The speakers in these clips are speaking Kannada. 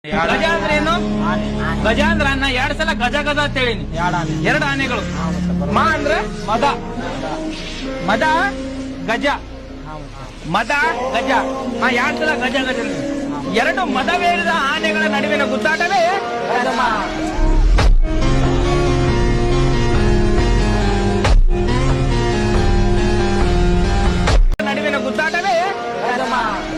ಗಜ ಅಂದ್ರೆ ಏನು? ಗಜ ಅಂದ್ರ ನಾ 2 ಸಲ ಗಜ ಗಜ ಅಂತ ಹೇಳಿನಿ. 2 ಆನೆಗಳು. ಮಾ ಅಂದ್ರೆ ಮದ, ಮದ ಗಜ, ಮದ ಗಜ. 2 ಸಲ ಗಜ ಗಜ. 2 ಮದವೇರಿದ ಆನೆಗಳ ನಡುವಿನ ಗುದ್ದಾಟವೇ ಗಜಮ. ನಡುವಿನ ಗುದ್ದಾಟವೇ ಗಜಮ.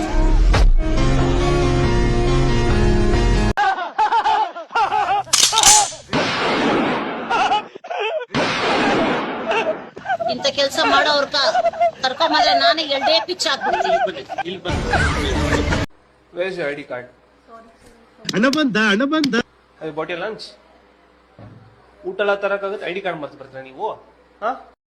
ಇಂತ ಕೆಲಸ ಮಾಡೋರ್ ಕರ್ಕೊಂಬಂದ್ರೆ ನಾನು 2 ಪಿಚ್ ಹಾಕ್ಬಿಡ್ತೀನಿ. Where's your ID card? ಹಣ ಬಂದ Have you bought your lunch? ಊಟ ಎಲ್ಲ ತರಕಾಗುತ್ತೆ, ID ಕಾರ್ಡ್ ಮರ್ತು ಬರ್ತೀರಾ ನೀವು? ಹಾ?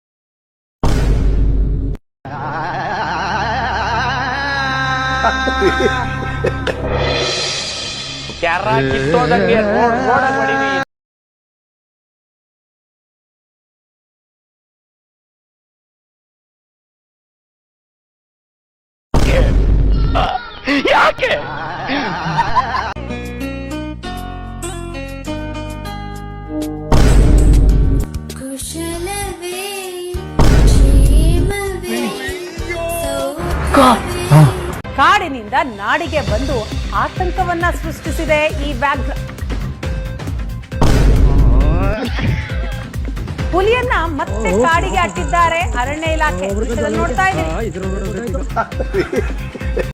ಕ್ಯಾರ ಕಿತ್ತೋದಂಗೆ ರೋಡಾಗ್ ಹೊಡೀವಿ. ಯಾಕೆ? ಕುಶಲವೇ ಕ್ಷೇಮವೇ ಕಾಡಿನಿಂದ ನಾಡಿಗೆ ಬಂದು ಆತಂಕವನ್ನ ಸೃಷ್ಟಿಸಿದೆ ಈ ವ್ಯಾಘ್ರ. ಹುಲಿಯನ್ನ ಮತ್ತೆ ಕಾಡಿಗೆ ಅಟ್ಟಿದ್ದಾರೆ ಅರಣ್ಯ ಇಲಾಖೆ. ನೋಡ್ತಾ ಇದ್ದೀವಿ.